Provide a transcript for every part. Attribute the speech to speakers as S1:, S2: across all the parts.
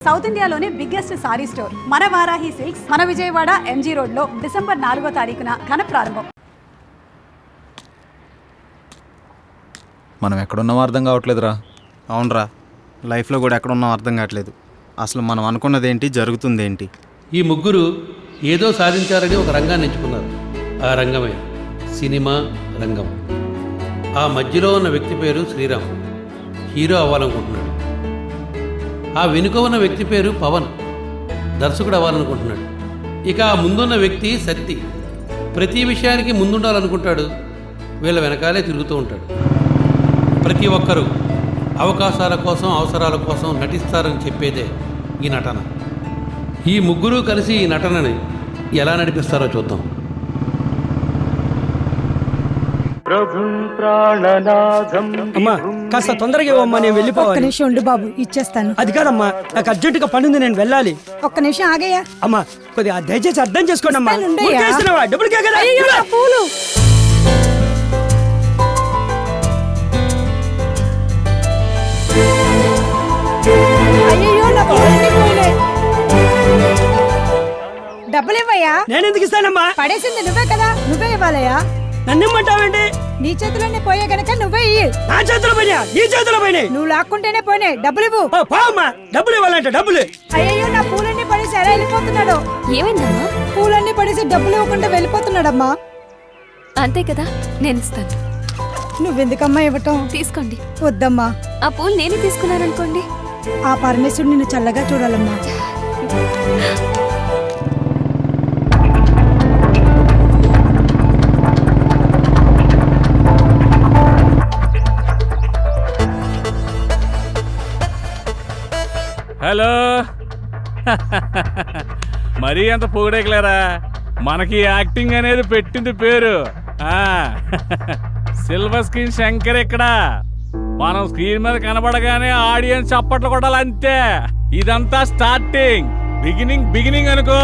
S1: South ఇండియాలోనే biggest sorry store మన Varahi silks, మన విజయవాడ ఎంజీ రోడ్ లో డిసెంబర్ 4వ తారీఖున ఘన ప్రారంభం.
S2: మనం ఎక్కడున్నామో అర్థం కావట్లేదురా.
S3: అవునరా, లైఫ్లో కూడా ఎక్కడున్నామో అర్థం కావట్లేదు. అసలు మనం అనుకున్నదేంటి, జరుగుతుందేంటి?
S4: ఈ ముగ్గురు ఏదో సాధించారని ఒక రంగాన్ని ఎంచుకున్నారు. ఆ రంగమే సినిమా రంగం. ఆ మధ్యలో ఉన్న వ్యక్తి పేరు శ్రీరామ్, హీరో అవ్వాలనుకుంటున్నాడు. ఆ వెనుక ఉన్న వ్యక్తి పేరు పవన్, దర్శకుడు అవ్వాలనుకుంటున్నాడు. ఇక ఆ ముందున్న వ్యక్తి సత్తి, ప్రతి విషయానికి ముందుండాలనుకుంటాడు, వీళ్ళ వెనకాలే తిరుగుతూ ఉంటాడు. ప్రతి ఒక్కరూ అవకాశాల కోసం, అవసరాల కోసం నటిస్తారని చెప్పేదే ఈ నటన. ఈ ముగ్గురు కలిసి ఈ నటనని ఎలా నడిపిస్తారో చూద్దాం.
S5: అమ్మా కాస్త తొందరగా ఇవ్వమ్మా, నేను వెళ్ళిపోవాలి.
S6: ఒక్క నిమిషం ఉండు బాబు, ఇచ్చేస్తాను.
S5: అది కాదమ్మా, నాకు అర్జెంటుగా పని ఉంది, నేను వెళ్ళాలి.
S6: ఒక్క నిమిషం ఆగయ్యా.
S5: అమ్మా కొద్దిగా దయచేసి అర్థం చేసుకోండి అమ్మా.
S6: ఇస్తానుండయ్యా.
S5: ఊరికే ఇస్తున్నావా? డబ్బులకే కదా.
S6: అయ్యో, నా పూలు. అయ్యయ్యో, నా పూలన్నీ పోయినాయి. డబ్బులు ఇవ్వయ్యా.
S5: నేను ఎందుకు ఇస్తానమ్మా?
S6: పడేసింది నువ్వే కదా, నువ్వే ఇవ్వాలయ్యా.
S5: నన్ను ఇమ్మంటావేంటి?
S6: నీ చేతిలోనే పోయే గనక నువ్వే ఇయ్యి.
S5: నా చేతిలో పోయినా, నీ చేతిలో పోయినాయి.
S6: నువ్వు లాక్కుంటేనే పోయినాయి. డబ్బులు ఇవ్వు.
S5: అమ్మా, డబ్బులు ఇవ్వాలంటే డబ్బులు.
S6: అయ్యయ్యో, నా పూలన్నీ పడేసి ఎలా వెళ్ళిపోతున్నాడు?
S7: ఏమైందమ్మా?
S6: పూలన్నీ పడేసి డబ్బులు ఇవ్వకుండా వెళ్ళిపోతున్నాడమ్మా.
S7: అంతే కదా, నేను ఇస్తాను.
S6: నువ్వెందుకమ్మా ఇవ్వటం?
S7: తీసుకోండి.
S6: వద్దమ్మా,
S7: ఆ పూలు నేనే తీసుకున్నాననుకోండి.
S6: ఆ పరమేశ్వరుడు నిన్ను చల్లగా చూడాలమ్మా.
S8: హలో. మరీ అంత పొగడేకలేరా, మనకి యాక్టింగ్ అనేది పెట్టింది పేరు. సిల్వర్ స్క్రీన్ శంకర్ ఇక్కడ. మనం స్క్రీన్ మీద కనబడగానే ఆడియన్స్ చప్పట్లు కొట్టాలి, అంతే. ఇదంతా స్టార్టింగ్, బిగినింగ్ అనుకో.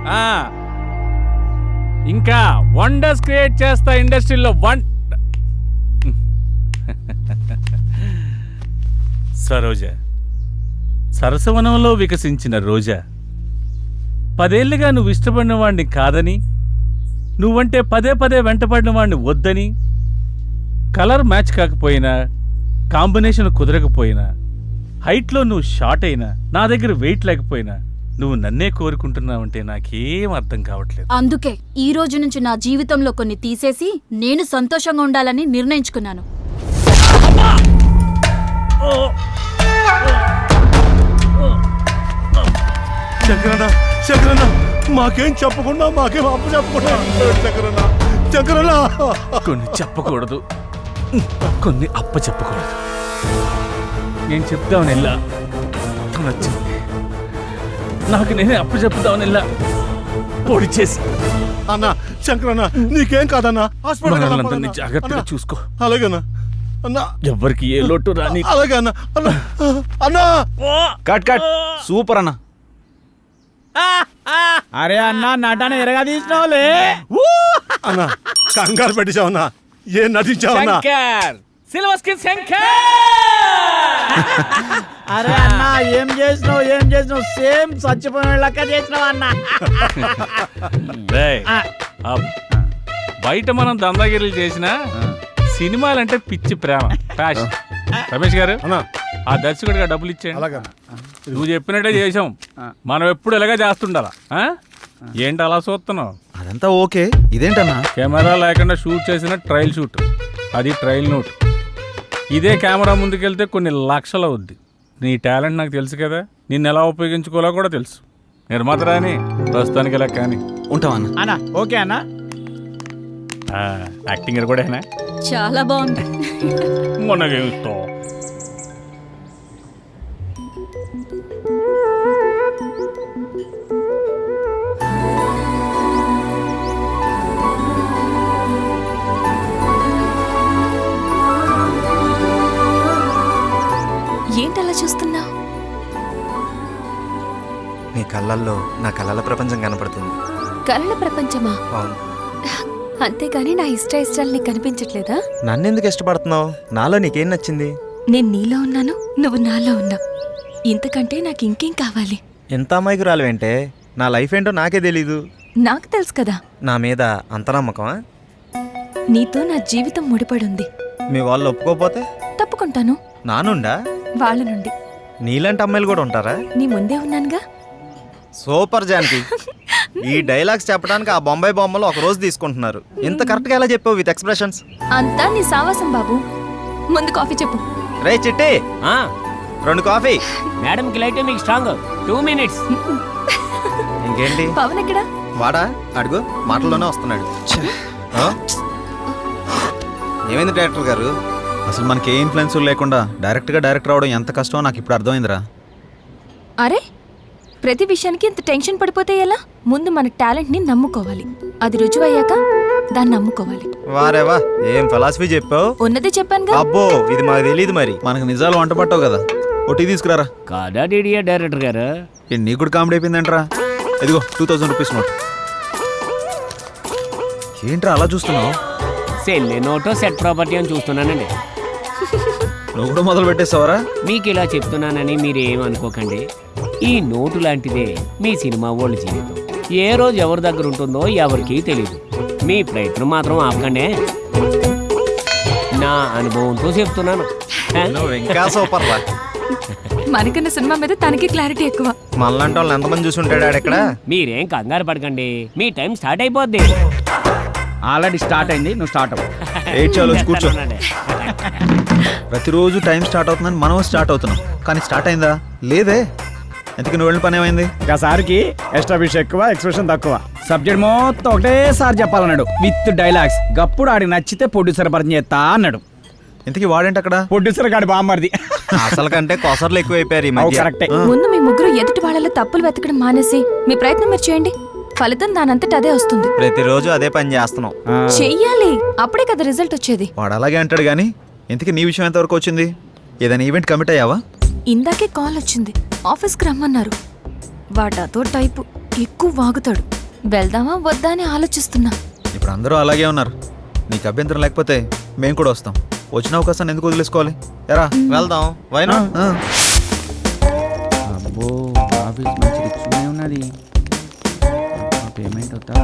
S8: ఇంకా వండర్స్ క్రియేట్ చేస్తా ఇండస్ట్రీలో. సరోజ, సరసవనంలో వికసించిన రోజా, 10 ఏళ్లుగా నువ్వు ఇష్టపడిన వాడిని కాదని, నువ్వంటే పదే వెంటపడిన వాడిని వద్దని, కలర్ మ్యాచ్ కాకపోయినా, కాంబినేషన్ కుదరకపోయినా, హైట్లో నువ్వు షార్ట్ అయినా, నా దగ్గర వెయిట్ లేకపోయినా, నువ్వు నన్నే కోరుకుంటున్నావంటే నాకేం అర్థం కావట్లేదు.
S7: అందుకే ఈ రోజు నుంచి నా జీవితంలో కొన్ని తీసేసి నేను సంతోషంగా ఉండాలని నిర్ణయించుకున్నాను.
S9: శంకరన్న, మాకేం చెప్పకుండా, మాకేం అప్పు చెప్పకుండా. శంకరన్న,
S8: కొన్ని చెప్పకూడదు, కొన్ని అప్ప చెప్పకూడదు. నేను చెప్తామని వెళ్ళా, నచ్చింది. నాకు నేనే అప్పు చెప్తామని వెళ్ళా, పొడి చేసి.
S9: అన్న శంకరన్న, నీకేం కాదన్నా, హాస్పిటల్
S8: జాగ్రత్తగా చూసుకో.
S9: అలాగేనా అన్నా?
S8: ఎవరికి ఏ లోటు రాని.
S9: అలాగే అన్న. అన్నా,
S3: కట్ సూపర్ అన్న.
S5: అరే అన్న, నటన ఎరగా తీసినావులే.
S9: అన్నా కంగారు పెట్టించావన్నా, ఏం నటించావన్నా?
S8: Silver screen Shankar.
S5: అరే అన్న, ఏం చేసినావు? సేమ్ చచ్చిపోయిన లెక్క చేసినావు అన్న.
S8: బయట మనం దందాగిరీలు చేసినా సినిమాలంటే పిచ్చి ప్రేమ, ఫ్యాషన్. రమేష్ గారు, ఆ దర్శకుడిగా డబ్బులు ఇచ్చేయండి. నువ్వు చెప్పినట్టే చేసాం, మనం ఎప్పుడు ఇలాగే చేస్తుండాలా. ఏంటి అలా చూస్తున్నావు?
S3: అదంతా ఓకే, ఇదేంటన్నా?
S8: కెమెరా లేకుండా షూట్ చేసిన ట్రయల్ షూట్, అది ట్రయల్ నోట్. ఇదే కెమెరా ముందుకెళ్తే కొన్ని లక్షలు అవుద్ది. నీ టాలెంట్ నాకు తెలుసు కదా, నిన్ను ఎలా ఉపయోగించుకోవాలో కూడా తెలుసు. నిర్మాత రాని ప్రస్తుతానికి ఇలా కానీ
S3: ఉంటావన్నా.
S5: అన్నా ఓకే అన్నా.
S8: యాక్టింగ్ కూడా
S7: చాలా బాగుంది.
S8: మనకేమిస్తాం.
S7: ఏంటలా చూస్తున్నావు?
S3: నీ కళ్ళల్లో నా కళల ప్రపంచం కనపడుతుంది.
S7: కలల ప్రపంచమా?
S3: అవును.
S7: అంతేగాని నా ఇష్టాలు నీకు కనిపించట్లేదా?
S3: నన్నెందుకు ఇష్టపడుతున్నావు? నాలో నీకేం నచ్చింది?
S7: నేను నీలో ఉన్నాను, నువ్వు నాలో ఉన్నావు.
S2: ఇంతకంటే నాకు ఇంకేం కావాలి?
S3: ఎంత అమ్మాయికి రాలేంటే నా లైఫ్ ఏంటో నాకే తెలీదు.
S2: నాకు తెలుసు కదా.
S3: నా మీద అంత నమ్మకమా?
S2: నీతో నా జీవితం ముడిపడుంది.
S3: మీ వాళ్ళు ఒప్పుకోపోతే
S2: తప్పుకుంటాను.
S3: నానుండా?
S2: వాళ్ళ నుండి.
S3: నీలాంటి అమ్మాయిలు కూడా ఉంటారా?
S2: నీ ముందే ఉన్నానుగా.
S3: సూపర్ జానకి. ఈ డైలాగ్స్ చెప్పడానికి ఆ బొంబాయి బొమ్మలు ఒక రోజు తీసుకుంటున్నారు. ఇంత కరెక్ట్గా ఎలా చెప్పావు విత్ ఎక్స్ప్రెషన్స్?
S2: అంతా నీ సావాసం బాబు. ముందు కాఫీ చెప్పు.
S3: రే చిట్టి, 2 కాఫీ.
S10: మేడంకి లైట్ మీకు స్ట్రాంగ్. 2 minutes.
S3: ఇంకేంటి?
S2: పవన్ ఎక్కడా?
S3: వాడా? అడుగు, మాటల్లోనే వస్తున్నాడు. ఆ? ఏమైంది డైరెక్టర్ గారు?
S11: అసలు మనకి ఏ ఇన్ఫ్లుయెన్స్ లేకుండా డైరెక్ట్గా డైరెక్టర్ అవడం ఎంత కష్టమో నాకు ఇప్పుడు అర్థమైందిరా.
S2: అరే, ప్రతి విషయానికి ఇంత టెన్షన్ పడిపోతే ఎలా? ముందు మన టాలెంట్ని నమ్ముకోవాలి. అది రుజువయ్యాక దాన్ని నమ్ముకోవాలి.
S3: వారేవా, ఏం ఫిలాసఫీ చెప్పావు.
S2: ఉన్నదే చెప్పానుగా.
S3: అబ్బో, ఇది మాకు తెలియదు. మరి
S11: మనకు నిజాలు వంట పట్టావు కదా, ఓ టీ తీసుకురారా.
S10: కాదా డీడీఏ డైరెక్టర్ గారు?
S11: నీకు కూడా కామెడీ అయిపోయిందంటరా. ఇదిగో 2000 రూపీస్ నోట్. ఏంట్రా అలా చూస్తున్నావు?
S10: సెల్లే నోటో సెట్ ప్రాపర్టీ అని చూస్తున్నానండి.
S11: నువ్వు కూడా మొదలు పెట్టేస్తావరా?
S10: మీకు ఇలా చెప్తున్నానని మీరేమనుకోకండి. ఈ నోటు లాంటిదే మీ సినిమా వాళ్ళ జీవితం. ఏ రోజు ఎవరి దగ్గర ఉంటుందో ఎవరికీ తెలియదు. మీ ప్రయత్నం మాత్రం ఆపకండి. నా అనుభవంతో చెప్తున్నాను.
S3: నువ్వు ఇంకా సూపర్ రా.
S2: మనకన్నా సినిమా మీద తనకి క్లారిటీ ఎక్కువ.
S3: మనలాంటి వాళ్ళు ఎంతమంది చూసి ఉంటాడు ఆడెక్కడ?
S10: మీరేం కంగారు పడకండి, మీ టైం స్టార్ట్ అయిపోద్ది.
S5: ఆల్రెడీ స్టార్ట్ అయింది, నువ్వు స్టార్ట్ అవ్వు.
S11: చాలు కూర్చో. ప్రతిరోజు టైం స్టార్ట్ అవుతుందని మనం స్టార్ట్ అవుతున్నాం, కానీ స్టార్ట్ అయిందా? లేదే. ఎందుకు నువ్వు వెళ్ళిన పని ఏమైంది?
S5: ఒకసారికి ఎస్టాబ్లిష్ ఎక్కువ, ఎక్స్ప్రెషన్ తక్కువ. సబ్జెక్ట్ మొత్తం ఒకటేసారి చెప్పాలన్నాడు విత్ డైలాగ్స్. గప్పుడు ఆడికి నచ్చితే ప్రొడ్యూసర్ పరిచయం చేస్తా అన్నాడు.
S11: ఇంతకీ వాడేంటి అక్కడ?
S5: ప్రొడ్యూసర్ గాడి బామ్మర్ది.
S3: అసలు కంటే కొసర్లు ఎక్కువైపోయారు ఈ మధ్య.
S5: కరెక్టే.
S2: ముందు మీ ముగ్గురు ఎదుటి వాళ్ళలో తప్పులు వెతకడం మానేసి మీ ప్రయత్నం మీరు చేయండి. ఫలితం దానంతట అదే వస్తుంది.
S3: ప్రతిరోజు అదే పని చేస్తున్నాం.
S2: చెయ్యాలి, అప్పుడే కదా రిజల్ట్ వచ్చేది.
S11: వాడు అలాగే అంటాడు కానీ ఇంతకీ నీ విషయం ఎంతవరకు వచ్చింది? ఏదైనా ఈవెంట్ కమిట్ అయ్యావా?
S2: ఇందాకే కాల్ వచ్చింది, ఆఫీస్కి రమ్మన్నారు. వాడాతో టైపు, ఎక్కువ వాగుతాడు. వెళ్దామా వద్దా అని ఆలోచిస్తున్నా.
S11: ఇప్పుడు అందరూ అలాగే ఉన్నారు. నీకు అభ్యంతరం లేకపోతే మేము కూడా వస్తాం. వచ్చిన అవకాశాన్ని ఎందుకు వదిలేసుకోవాలి? ఎరా
S3: వెళ్దాం. వైనా
S5: అబ్బో, ఆఫీస్ మంచి రిచ్గానే ఉన్నది. పేమెంట్ అవుతా.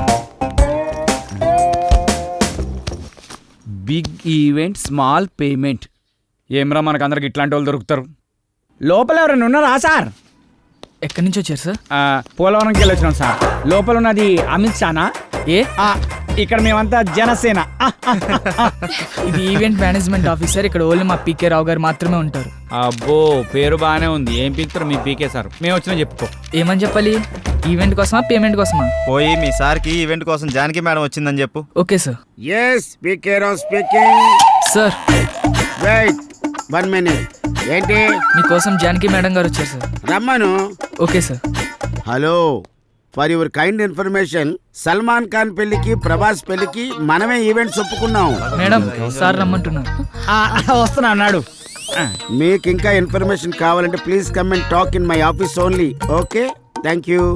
S5: Big event, small payment. ఏమ్రా, మనకు అందరికి ఇట్లాంటి వాళ్ళు దొరుకుతారు. లోపల ఎవరైనా ఉన్నారా సార్?
S12: ఎక్కడి నుంచి వచ్చారు సార్?
S5: పోలవరంకి వెళ్ళి వచ్చినాం సార్. లోపల ఉన్నది అమిత్ షానా?
S12: ఏ
S5: ఇక్కడ మేమంతా జనసేన.
S12: ఇది ఈవెంట్ మేనేజ్మెంట్ ఆఫీసర్. ఇక్కడ ఓన్లీ మా పీకే రావు గారు మాత్రమే ఉంటారు.
S5: అబ్బో, పేరు బాగానే ఉంది. ఏం పీకుతారు మీ పీకే సార్? మేము వచ్చినా చెప్పుకో.
S12: ఏమని చెప్పాలి? ఈవెంట్ కోసమా పేమెంట్ కోసమా?
S3: పోయి మీ సార్కి ఈవెంట్ కోసం జానకి మేడం వచ్చిందని చెప్పు.
S12: Okay sir.
S13: Yes, PK Rao speaking.
S12: Sir
S13: wait 1 minute. ఏంటి?
S12: మీకోసం జానకి మేడం గారు వచ్చారు సార్.
S13: రమ్మను.
S12: Okay sir.
S13: Hello, for your kind information, Salman Khan పెళ్లికి, ప్రభాస్ పెళ్లికి మనమే ఈవెంట్స్ ఒప్పుకున్నాం.
S12: మేడం, సార్ రమ్మంటున్నారు.
S5: వస్తున్నా అన్నాడు.
S13: మీకు ఇంకా ఇన్ఫర్మేషన్ కావాలంటే please come and talk in my office only. Okay, thank you.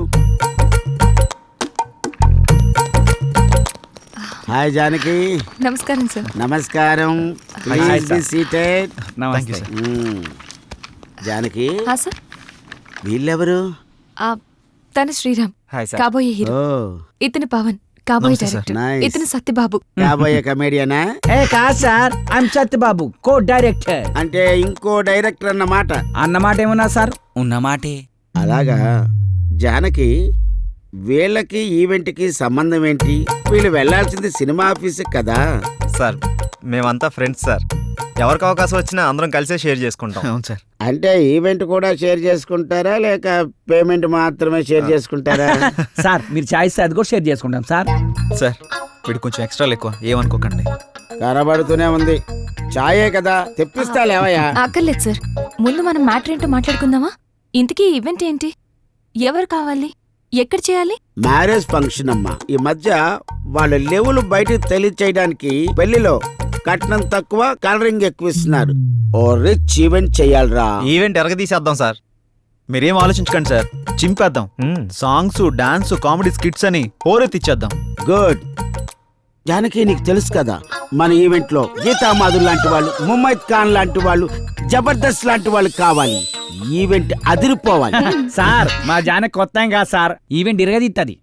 S13: Hi Janaki.
S2: నమస్కారం సార్.
S13: నమస్కారం. Please be seated.
S5: నమస్తే సార్.
S13: జానకి,
S2: సార్.
S13: వీళ్ళెవరు?
S2: తన శ్రీరామ్,
S3: హాయ్ సార్.
S2: కాబోయే హీరో. ఇతను పవన్, కాబోయే డైరెక్టర్.
S13: Nice.
S2: ఇతను సత్యబాబు,
S13: కాబోయే కమేడియనా?
S5: ఏ కాదు సార్, ఐఎమ్ సత్యబాబు, కో డైరెక్టర్.
S13: అంటే ఇంకో డైరెక్టర్ అన్నమాట.
S5: అన్నమాట ఏమన్నా సార్?
S12: ఉన్నమాటే.
S13: అలాగా. జానకి, వీళ్ళకి ఈవెంట్కి సంబంధం ఏంటి? వీళ్ళు వెళ్లాల్సింది సినిమా ఆఫీస్ కదా.
S3: సార్, మేమంతా ఫ్రెండ్స్ సార్. ఎవరికి అవకాశం వచ్చినా అందరం కలిసే షేర్ చేసుకుంటాం.
S11: అవును సార్.
S13: అంటే ఈవెంట్ కూడా షేర్ చేసుకుంటారా, లేక పేమెంట్ మాత్రమే షేర్ చేసుకుంటారా?
S5: సార్, మీరు ఛాయిస్ అది కూడా షేర్ చేసుకుంటాం సార్.
S11: సార్, వీడు కొంచెం ఎక్స్ట్రాలు ఎక్కువ, ఏమనుకోకండి.
S13: కనబడుతూనే ఉంది. చాయే కదా, తెప్పిస్తా లేవయ్యా.
S2: అక్కర్లేదు సార్. ముందు మనం మ్యాటర్ ఏంటో మాట్లాడుకుందామా? ఇంతకీ ఈవెంట్ ఏంటి? ఎవరు కావాలి? ఎక్కడ చేయాలి?
S13: మ్యారేజ్ ఫంక్షన్ అమ్మా. ఈ మధ్య వాళ్ళ లెవెల్ బయటకు తెలియచేయడానికి పెళ్లిలో కట్నం తక్కువ, కలరింగ్ ఎక్కువ ఇస్తున్నారు. ఓ రిచ్ ఈవెంట్ చెయ్యాలరా.
S3: ఈవెంట్ ఎరగదీసేద్దాం సార్.
S11: మీరేం ఆలోచించకండి సార్, చింపేద్దాం. సాంగ్స్, డాన్స్, కామెడీ స్కిట్స్ అని హోరెత్తిచ్చేద్దాం.
S13: గుడ్. జానకి నీకు తెలుసు కదా మన ఈవెంట్ లో గీతా మాధుర్ లాంటి వాళ్ళు, ముమైత్ ఖాన్ లాంటి వాళ్ళు, జబర్దస్త్ లాంటి వాళ్ళు కావాలి. ఈవెంట్ అదిరిపోవాలి.
S5: సార్ మా జానకి కొత్త ఏం కాదు సార్, ఈవెంట్ ఇరగదిత్తది.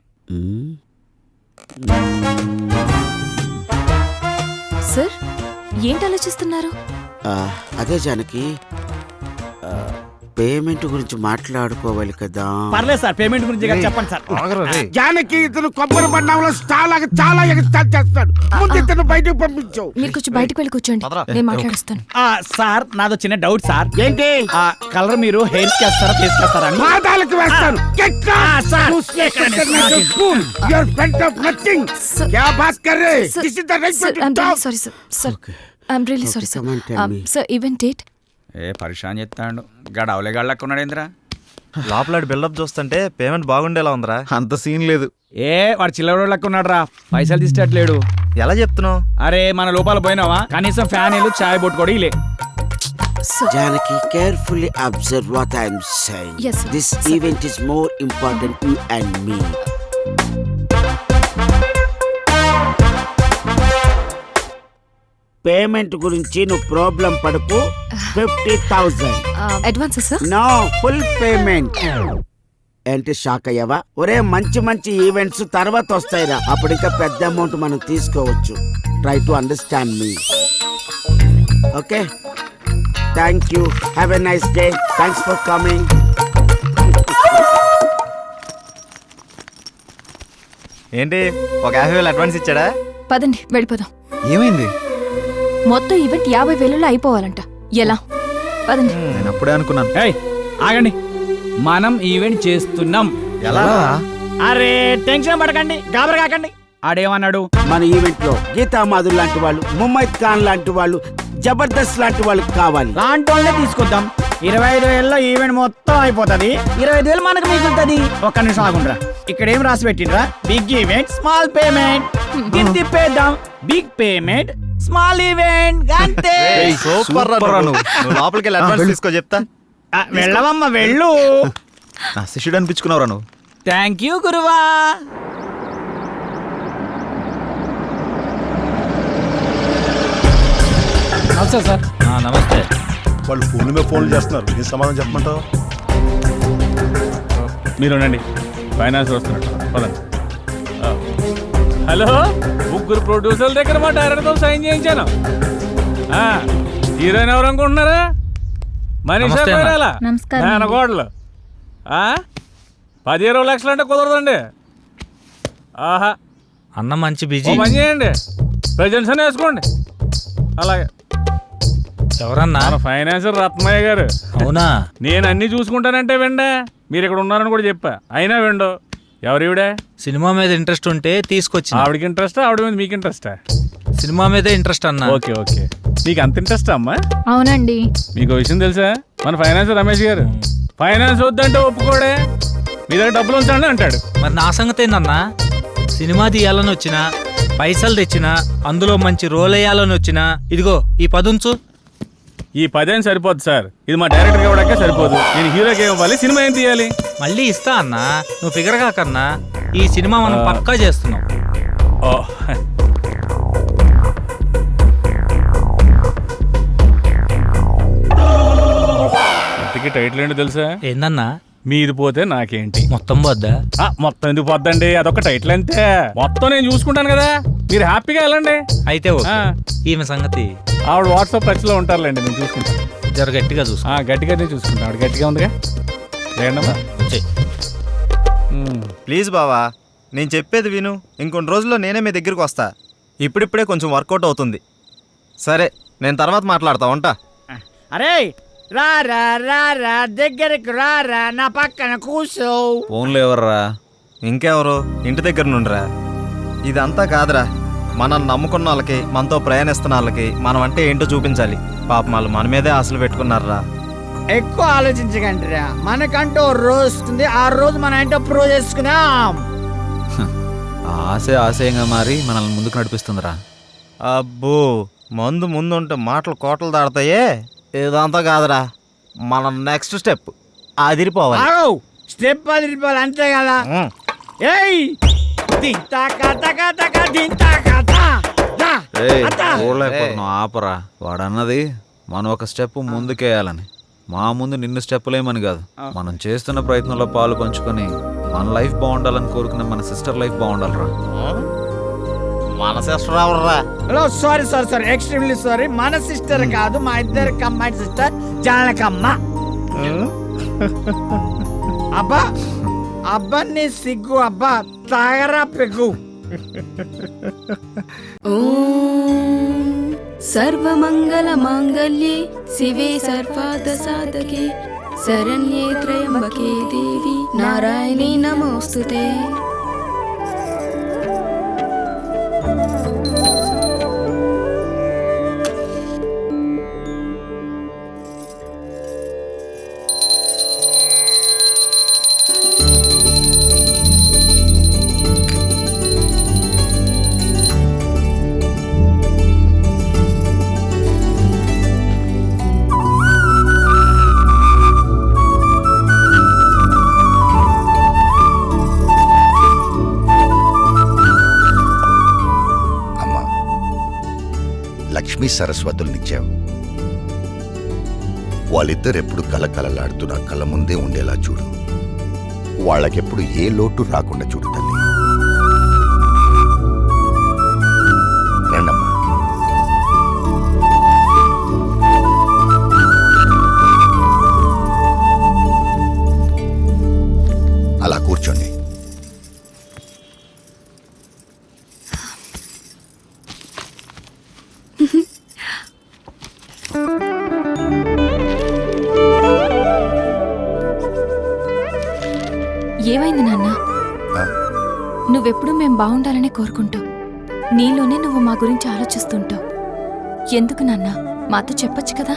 S2: సార్ ఏంటి ఆలోచిస్తున్నారు?
S13: అదే జానకి, పేమెంట్ గురించి మాట్లాడుకోవాలి కదా.
S5: పర్లేదు సార్, పేమెంట్ గురించి కదా చెప్పండి సార్.
S13: జానకి ఇతను కొబ్బరి బండంలో చాలా ఎగస్టాల్ చేస్తాడు. ముందు ఇతను బయటకు పంపించు.
S2: మీరు కొంచెం బయటకు వెళ్ళి కూర్చోండి, నేను మాట్లాడుస్తాను.
S5: సార్ నాదో చిన్న డౌట్ సార్.
S13: ఏంటి?
S5: కలర్ మీరు హెయిర్ కి వేస్తారా, ఫేస్ కి వేస్తారా అని.
S13: పాదాలకు వేస్తాను.
S2: Sorry sir, I'm really sorry sir. Event date?
S5: పరిశాన్ చెప్తాడు గడవలే గళ్ళకు ఉన్నాడేంద్రా.
S3: లోపల బిల్డప్ చూస్తుంటే పేమెంట్ బాగుండేలా ఉందిరా.
S11: అంత సీన్ లేదు.
S5: వాడు చిల్లర లెక్క ఉన్నాడు రా, పైసలు తీసేటట్లేడు.
S3: ఎలా చెప్తున్నావు?
S5: అరే మన లోపల పోయినావా, కనీసం ఫ్యాన్ ఇల్లు చాయ్ బొట్టు కూడా ఇలే.
S13: Janaki, carefully observe what I am saying.
S2: Yes, sir.
S13: This event is more important you and me. Payment గురించి నువ్వు ప్రాబ్లం పడకు. 50,000
S2: advance sir?
S13: No, full payment. ఏంటి షాక్ అయ్యావా? ఒరే మంచి మంచి ఈవెంట్స్ తర్వాత వస్తాయిరా, అప్పుడు ఇంకా పెద్ద అమౌంట్ మనం తీసుకోవచ్చు. Try to understand me. Okay, thank you. Have a nice day. Thanks for coming.
S3: ఏంటి ఒక 50,000 అడ్వాన్స్ ఇచ్చాడా?
S2: పదండి వెళ్ళిపోదాం.
S11: ఏమైంది?
S2: మొత్తం ఈవెంట్ 50,000లో అయిపోవాలంట. ఎలా? పదండి.
S11: నేను అప్పుడే అనుకున్నాను.
S5: ఆగండి, మనం ఈవెంట్ చేస్తున్నాం.
S3: ఎలా?
S5: అరే టెన్షన్ పడకండి, గాబరా కాకండి. ఆడేమన్నాడు?
S13: మన ఈవెంట్ లో గీతా మాధుర్ లాంటి వాళ్ళు, ముమైత్ ఖాన్ లాంటి వాళ్ళు, జబర్దస్త్ లాంటి వాళ్ళు కావాలి.
S5: లాంటి వాళ్ళనే తీసుకొద్దాం. 25,000లో ఈవెంట్ మొత్తం అయిపోతుంది. 25,000 మనకు మిగులుతుంది. ఒక్క నిమిషం ఆగుండ్రా, ఇక్కడ ఏం రాసి పెట్టిండ్రా? Big event small payment. ఇది తిప్పేద్దాం. బిగ్ పేమెంట్ స్మాల్ ఈవెంట్ అంతే.
S3: సూపర్ రా నువ్వు. లోపలికి వెళ్ళి అడ్వాన్స్ తీసుకో చెప్తా.
S5: వెళ్ళవమ్మ వెళ్ళు.
S11: నా శిష్యుడు అనిపించుకున్నావురా నువ్వు.
S5: థ్యాంక్ యూ గురువా.
S12: సార్
S9: నమస్తే. వాళ్ళు ఫోన్ల మీద ఫోన్లు చేస్తున్నారు, ఏం సమాధానం చెప్పమంటావు?
S8: మీరు ఉండండి, ఫైనాన్స్ వస్తున్నట్టు. పదండి. హలో, ముగ్గురు ప్రొడ్యూసర్ల దగ్గర మా డైరెక్టర్తో సైన్ చేయించాను. హీరోయిన్ ఎవరు అనుకుంటున్నారా? మనీషా కొయిరాలా, మేనకోడలు. 10-20 లక్షలు అంటే కుదరదండి. ఆహా,
S12: అన్న మంచి బిజీ.
S8: పని చేయండి, ప్రజెంట్స్ అని వేసుకోండి. అలాగే.
S12: ఎవరన్నా?
S8: మన ఫైనాన్సర్ రత్నయ్య గారు.
S12: అవునా?
S8: నేను అన్ని చూసుకుంటానంటే వెండే, మీరు ఇక్కడ ఉన్నారని కూడా చెప్పా, అయినా వెండో. ఎవరివిడే?
S12: సినిమా మీద ఇంట్రెస్ట్ ఉంటే తీసుకొచ్చి.
S8: ఆవిడకి ఇంట్రెస్టా, ఆవిడ మీద మీకు ఇంట్రెస్టా?
S12: సినిమా మీదే ఇంట్రెస్ట్ అన్న.
S8: ఓకే ఓకే, మీకు అంత ఇంట్రెస్ట్ అమ్మా?
S7: అవునండి.
S8: మీకు విషయం తెలుసా, మన ఫైనాన్సర్ రమేష్ గారు ఫైనాన్స్ వద్దంటే ఒప్పుకోడే, మీ దగ్గర డబ్బులు ఉంచండి అంటాడు.
S12: మరి నా సంగతి ఏందన్నా? సినిమా తీయాలని వచ్చినా, పైసలు తెచ్చినా, అందులో మంచి రోల్ వేయాలని వచ్చినా, ఇదిగో ఈ 10 ఉంచు.
S8: ఈ 10 సరిపోదు సార్, ఇది మా డైరెక్టర్ ఇవ్వడానికే సరిపోదు. నేను హీరోకి ఏం ఇవ్వాలి, సినిమా ఏం తీయాలి?
S12: మళ్ళీ ఇస్తా అన్నా, నువ్వు ఫిగర్ కాకన్నా. ఈ సినిమా మనం పక్కా చేస్తున్నాం.
S8: ఇంతకీ టైటిల్ ఏంటో తెలుసా?
S12: ఏందన్నా?
S8: మీది పోతే నాకేంటి.
S12: మొత్తం పోద్దా?
S8: మొత్తం ఎందుకు పోద్దండి, అదొక టైటిల్ అంతే. మొత్తం నేను చూసుకుంటాను కదా, మీరు హ్యాపీగా వెళ్ళండి.
S12: అయితే ఈమె సంగతి
S8: ఆవిడ వాట్సాప్ టచ్ లో ఉంటారులేండి, నేను చూసుకుంటాను.
S12: జర గట్టిగా చూసుకో.
S8: గట్టిగానే చూసుకుంటాను. ఆవిడ గట్టిగా ఉందిగా. లేదమ్మా,
S3: ప్లీజ్ బావా, నేను చెప్పేది విను. ఇంకొన్ని రోజుల్లో నేనే మీ దగ్గరికి వస్తా. ఇప్పుడిప్పుడే కొంచెం వర్కౌట్ అవుతుంది. సరే, నేను తర్వాత మాట్లాడతా, ఉంటా.
S5: అరే రారా రారా, దగ్గరకు రారా, నా పక్కన కూర్చో.
S11: ఫోన్లో ఎవర్రా?
S3: ఇంకెవరు? ఇంటి దగ్గర నుండిరా. ఇదంతా కాదురా, మనం నమ్ముకున్న వాళ్ళకి, మనతో ప్రయాణిస్తున్న వాళ్ళకి మనం అంటే ఏంటో చూపించాలి. పాపం వాళ్ళు మన మీదే ఆశలు పెట్టుకున్నారా.
S5: ఎక్కువ ఆలోచించకండిరా, మనకంటూ రోజు వస్తుంది, ఆ రోజు మనం ఏంటో ప్రూవ్ చేసుకున్నాం.
S11: ఆశయంగా మారి మనల్ని ముందుకు నడిపిస్తుందిరా.
S3: అబ్బో, మందు ముందుంటే మాటలు కోటలు దాడతాయే. ఇదంతా కాదురా, మనం నెక్స్ట్ స్టెప్ అదిరిపోవాలి.
S5: స్టెప్ అదిరిపోవాలి అంతే కదా. ఏయ్ దింతా కథ కథ దింతా కథ.
S11: చూడలేకపోతున్నావు ఆపరా. వాడన్నది మనం ఒక స్టెప్ ముందుకేయాలని, మా ముందు నిన్ను స్టెప్పులేమని కాదు. మనం చేస్తున్న ప్రయత్నంలో పాలు పంచుకొని మన లైఫ్ బాగుండాలని కోరుకునే మన సిస్టర్ లైఫ్ బాగుండాలిరా.
S3: మన సిస్టర్ ఎవర్రా?
S5: Sorry extremely sorry. మన సిస్టర్ కాదు, మా ఇద్దరు కమ్మాయి సిస్టర్ జానకమ్మ. అబ్బా అబ్బా నీ సిగ్గు, అబ్బా తాగరా పెగ్గు.
S2: సర్వమంగళ మాంగళ్యే శివే సర్వార్థ సాధకే శరణ్యే త్రయంబకే దేవి నారాయణీ నమోస్తుతే.
S14: లక్ష్మీ సరస్వతులనిచ్చావు. వాళ్ళిద్దరెప్పుడు కలకలలాడుతూ నా కళ్ళ ముందే ఉండేలా చూడు. వాళ్ళకెప్పుడు ఏ లోటు రాకుండా చూడు తల్లి. రండమ్మా. అలా కూర్చోండి.
S2: ఏమైంది నాన్న? నువ్వెప్పుడు మేం బాగుండాలని కోరుకుంటావు. నీలోనే నువ్వు మా గురించి ఆలోచిస్తుంటావు. ఎందుకు నాన్న? మాతో చెప్పొచ్చు కదా.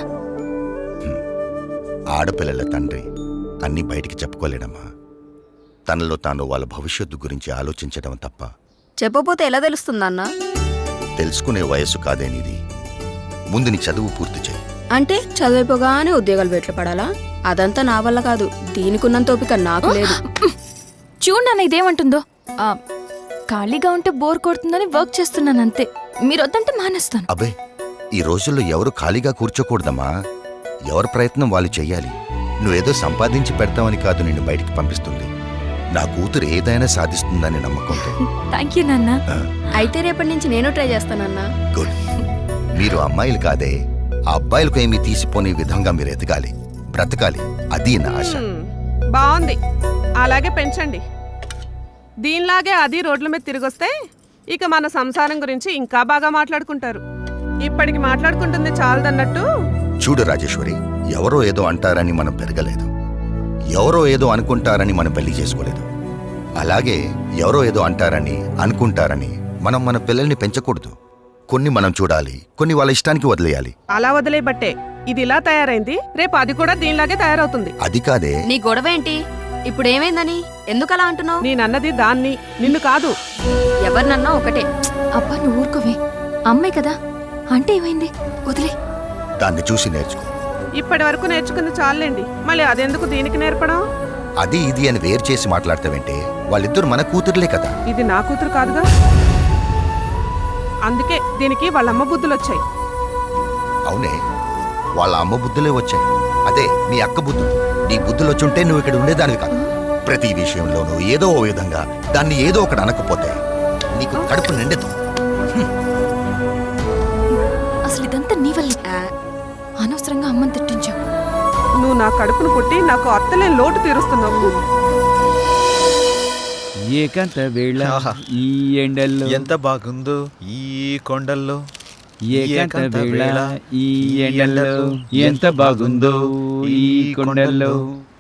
S14: ఆడపిల్లల తండ్రి అన్నీ బయటికి చెప్పుకోలేడమ్మా. తనలో తాను వాళ్ళ భవిష్యత్తు గురించి ఆలోచించడం తప్ప.
S2: చెప్పపోతే ఎలా తెలుస్తుందన్నా?
S14: తెలుసుకునే వయస్సు కాదేనిది. ముందు నీ చదువు పూర్తి చేయి.
S2: అంటే చదివిపోగానే ఉద్యోగాలు వెట్లు పడాలా? అదంతా నా వల్ల కాదు. దీనికున్నంత ఓపిక నాకు లేదు. చూడు నాన్న ఇదేమంటుందో. ఖాళీగా ఉంటే బోర్ కొడుతుందని వర్క్ చేస్తున్నాను అంతే. మీరు వద్దంటే మానేస్తాను.
S14: అబ్బే, ఈ రోజుల్లో ఎవరు ఖాళీగా కూర్చోకూడదమ్మా. ఎవరి ప్రయత్నం వాళ్ళు చెయ్యాలి. నువ్వేదో సంపాదించి పెడతావని కాదు నిన్ను బయటికి పంపిస్తుంది. నా కూతురు ఏదైనా సాధిస్తుందని నమ్మకంతో.
S2: థ్యాంక్ యూ నాన్న. అయితే రేపటి నుంచి నేను ట్రై చేస్తానన్నా.
S14: గుడ్. మీరు అమ్మాయిలు కాదే, ఆ అబ్బాయిలకు ఏమీ తీసిపోని విధంగా మీరు ఎదగాలి, బ్రతకాలి. అది నా ఆశ.
S15: బాగుంది, అలాగే పెంచండి. దీనిలాగే అది రోడ్ల మీద తిరిగొస్తే ఇక మన సంసారం గురించి ఇంకా బాగా మాట్లాడుకుంటారు. ఇప్పటికి మాట్లాడుకుంటుంది చాలదన్నట్టు.
S14: చూడు రాజేశ్వరి, ఎవరో ఏదో అంటారని మనం పెరగలేదు. ఎవరో ఏదో అనుకుంటారని మనం పెళ్లి చేసుకోలేదు. అలాగే ఎవరో ఏదో అంటారని అనుకుంటారని మనం మన పిల్లల్ని పెంచకూడదు. కొన్ని మనం చూడాలి, కొన్ని వాళ్ళ ఇష్టానికి వదిలేయాలి.
S15: అలా వదిలేబట్టే ఇది ఇలా తయారైంది. రేపు అది కూడా దీనిలాగే తయారవుతుంది.
S14: అది కాదే.
S2: నీ గొడవ ఏంటి? ఇప్పుడు ఏమైందని ఎందుకు అలా అంటున్నావు?
S15: నేనన్నది దాన్ని, నిన్ను కాదు.
S2: ఎవరినన్నా ఒకటే. అబ్బా నువ్వు ఊరుకోవే. అమ్మాయి కదా అంటే ఏమైంది? వదిలే.
S14: దాన్ని చూసి నేర్చుకో.
S15: ఇప్పటి వరకు నేర్చుకుంది చాలండి, మళ్ళీ అదెందుకు దీనికి నేర్పడం?
S14: అది ఇది అని వేరు చేసి మాట్లాడతావంటే వాళ్ళిద్దరు మన కూతురులే కదా.
S15: ఇది నా కూతురు కాదుగా. అందుకే దీనికి వాళ్ళ అమ్మ బుద్ధులు వచ్చాయి.
S14: అవునే, వాళ్ళ అమ్మ బుద్ధులే వచ్చాయి. అదే మీ అక్క బుద్ధులు. నీ బుద్ధులు వచ్చుంటే నువ్వు ఇక్కడ ఉండేదానివి కాదు. ప్రతి విషయంలోనూ ఏదో ఓ విధంగా దాన్ని ఏదో ఒకటి అనకపోతే నీకు కడుపు నిండదు.
S2: అసలు ఇదంతా నీ వల్ల. అనవసరంగా అమ్మని తిట్టించావు.
S15: నువ్వు నా కడుపును పుట్టి నాకు అత్తలేని లోటు తీరుస్తున్నావు.
S5: ఏకంత వేళ ఈ ఎండల్లో
S11: ఎంత బాగుందో ఈ కొండల్లో.
S5: ఏకంత వేళ ఈ ఎండల్లో ఎంత బాగుందో ఈ కొండల్లో.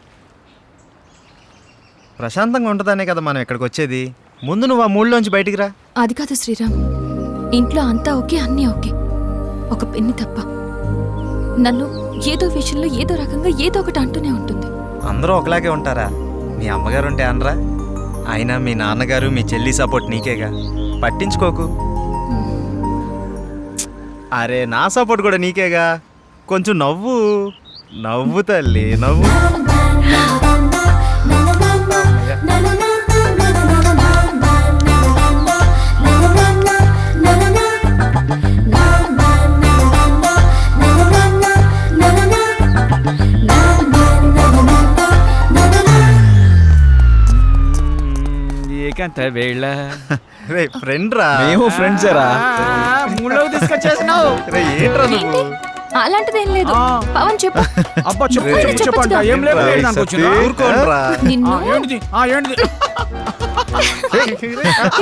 S3: ప్రశాంతంగా ఉంటుందనే కదా మనం ఇక్కడికి వచ్చేది. ముందు నువ్వు ఆ మూడ్లోంచి బయటికి రా.
S2: అది కాదు శ్రీరామ్, ఇంట్లో అంతా ఓకే, అన్నీ ఓకే, ఒక పెన్ని తప్ప. నన్ను ఏదో విషయంలో ఏదో రకంగా ఏదో ఒకటి అంటూనే ఉంటుంది.
S3: అందరూ ఒకలాగే ఉంటారా? మీ అమ్మగారు ఉంటే అనరా? అయినా మీ నాన్నగారు మీ చెల్లి సపోర్ట్ నీకేగా, పట్టించుకోకు. అరే నా సపోర్ట్ కూడా నీకేగా. కొంచెం నవ్వు నవ్వు తల్లి, నవ్వు.
S5: ఏకాంత వేళ
S3: రే ఫ్రెండ్ రా.
S5: మేము ఫ్రెండ్సేరా. మూడులోకి తీసుకొచ్చేసినావు.
S3: రే ఏంట్రా నువ్వు?
S2: అలాంటిదేం లేదు. పవన్ చెప్పు.
S5: అబ్బా చెప్పు
S3: రే,
S5: చెప్పు చెప్పండి. ఏం లేదు
S3: రే,
S5: దానికి
S3: సత్తి,
S5: వచ్చిందా?
S3: ఊరుకోండ్రా.
S2: నిన్ను
S5: ఏంటిది